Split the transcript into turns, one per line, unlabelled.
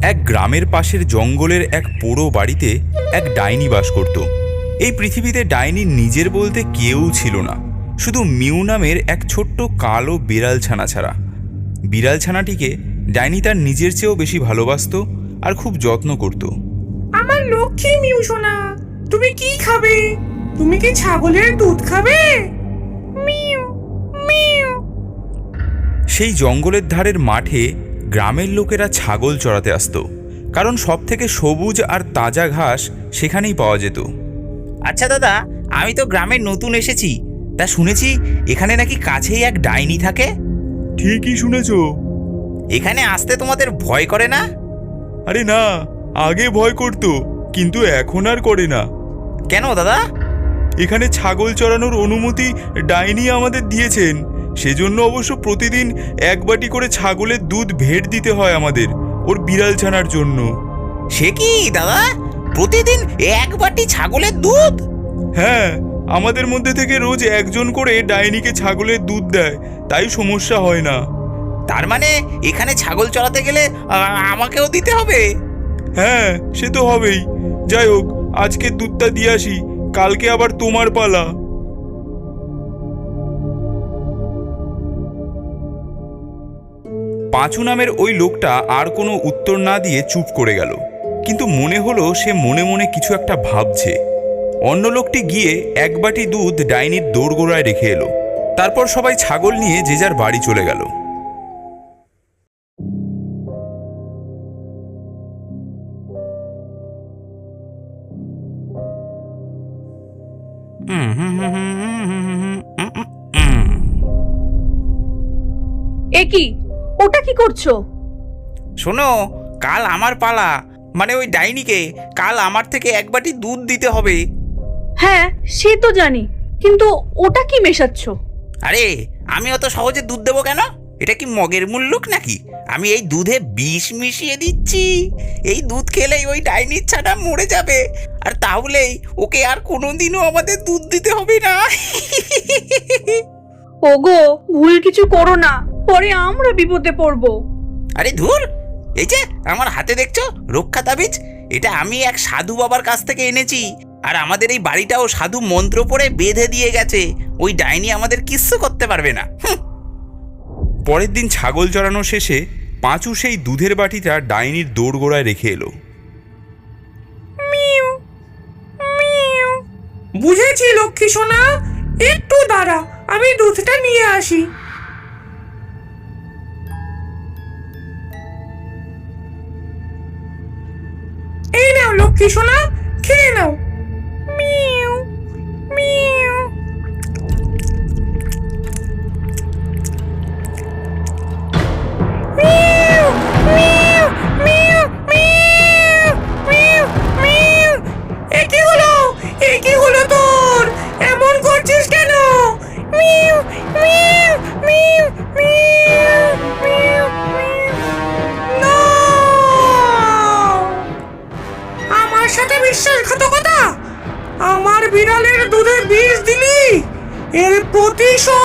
এক গ্রামের পাশের জঙ্গলের এক পোড়ো বাড়িতে এক ডাইনি বাস করত। এই পৃথিবীতে ডাইনির নিজের বলতে কেউ ছিল না, শুধু মিউ নামের এক ছোট্ট কালো বিড়াল ছানা ছাড়া। বিড়াল ছানাটিকে ডাইনি তার নিজের চেয়েও বেশি ভালোবাসত আর খুব যত্ন করত।
আমার লক্ষ্মী মিউ সোনা, তুমি কি খাবে? তুমি কি ছাগলের দুধ খাবে? মিউ মিউ।
সেই জঙ্গলের ধারের মাঠে গ্রামের লোকেরা ছাগল চড়াতে আসতো, কারণ সব থেকে সবুজ আর তাজা ঘাস সেখানেই পাওয়া যেত।
আচ্ছা দাদা, আমি তো গ্রামে নতুন এসেছি, তা শুনেছি এখানে নাকি কাছেই এক ডাইনি থাকে।
ঠিকই শুনেছ।
এখানে আসতে তোমাদের ভয় করে না?
আরে না, আগে ভয় করত, কিন্তু এখন আর করে না।
কেন দাদা?
এখানে ছাগল চড়ানোর অনুমতি ডাইনি আমাদের দিয়েছেন, সেজন্য অবশ্য প্রতিদিন এক বাটি করে ছাগলের দুধ ভেট দিতে হয় আমাদের, ওর বিড়াল ছানার জন্য।
সে কি দাদা, প্রতিদিন এক বাটি ছাগলের দুধ?
হ্যাঁ, আমাদের মধ্যে থেকে রোজ একজন করে ডাইনিকে ছাগলের দুধ দেয়, তাই সমস্যা হয় না।
তার মানে এখানে ছাগল চড়াতে গেলে আমাকেও দিতে হবে?
হ্যাঁ, সে তো হবেই। যাই হোক, আজকে দুধটা দিয়ে আসি, কালকে আবার তোমার পালা। পাঁচু নামের ওই লোকটা আর কোনো উত্তর না দিয়ে চুপ করে গেল, কিন্তু মনে হলো সে মনে মনে কিছু একটা ভাবছে। অন্য লোকটি গিয়ে এক বাটি দুধ ডাইনির দোরগোড়ায় রেখে এলো। তারপর সবাই ছাগল নিয়ে যে যার বাড়ি চলে গেল।
এ কি, ওটা কি করছো?
শোনো, কাল আমার পালা, মানে ওই ডাইনিকে কাল আমার থেকে এক বাটি দুধ দিতে হবে।
হ্যাঁ, সে তো জানি, কিন্তু ওটা কি মেশাচ্ছ?
আরে আমি অত সহজে দুধ দেবো কেন? এটা কি মগের মুল্লুক নাকি? আমি এই দুধে বিষ মিশিয়ে দিচ্ছি। এই দুধ খেলেই ওই ডাইনির ছানা মরে যাবে, আর তাহলেই ওকে আর কোনোদিনও আমাদের দুধ দিতে হবে না।
ওগো, ভুল কিছু করো না, পরে আমরা বিপদে পড়বো।
আরে ধুর, এই যে আমার হাতে দেখছো রক্ষা তাবিজ, এটা আমি এক সাধু বাবার কাছ থেকে এনেছি, আর আমাদের এই বাড়িটাও সাধু মন্ত্র পড়ে বেঁধে দিয়ে গেছে। ওই ডাইনি আমাদের কিচ্ছু করতে পারবে না।
পরের দিন ছাগল চড়ানো শেষে পাঁচু সেই দুধের বাটিটা ডাইনির দোরগোড়ায় রেখে এলো।
মিউ মিউ। বুঝেছি লক্ষ্মী সোনা, একটু দাঁড়া, আমি দুধটা নিয়ে আসি। এই নাও লক্ষ্মী সোনা, খেয়ে নাও। মিউ মিউ। মিউ মিউ মিউ মিউ মিউ মিউ। এ কি হলো? এ কি হলো তোর? এমন করছিস কেন? মিউ মিউ মিউ মিউ মিউ মিউ। না! আমার সাথে বিশ্বাসঘাতকতা? আমার বিড়ালের দুধে বিষ দিলি? এর প্রতিশোধ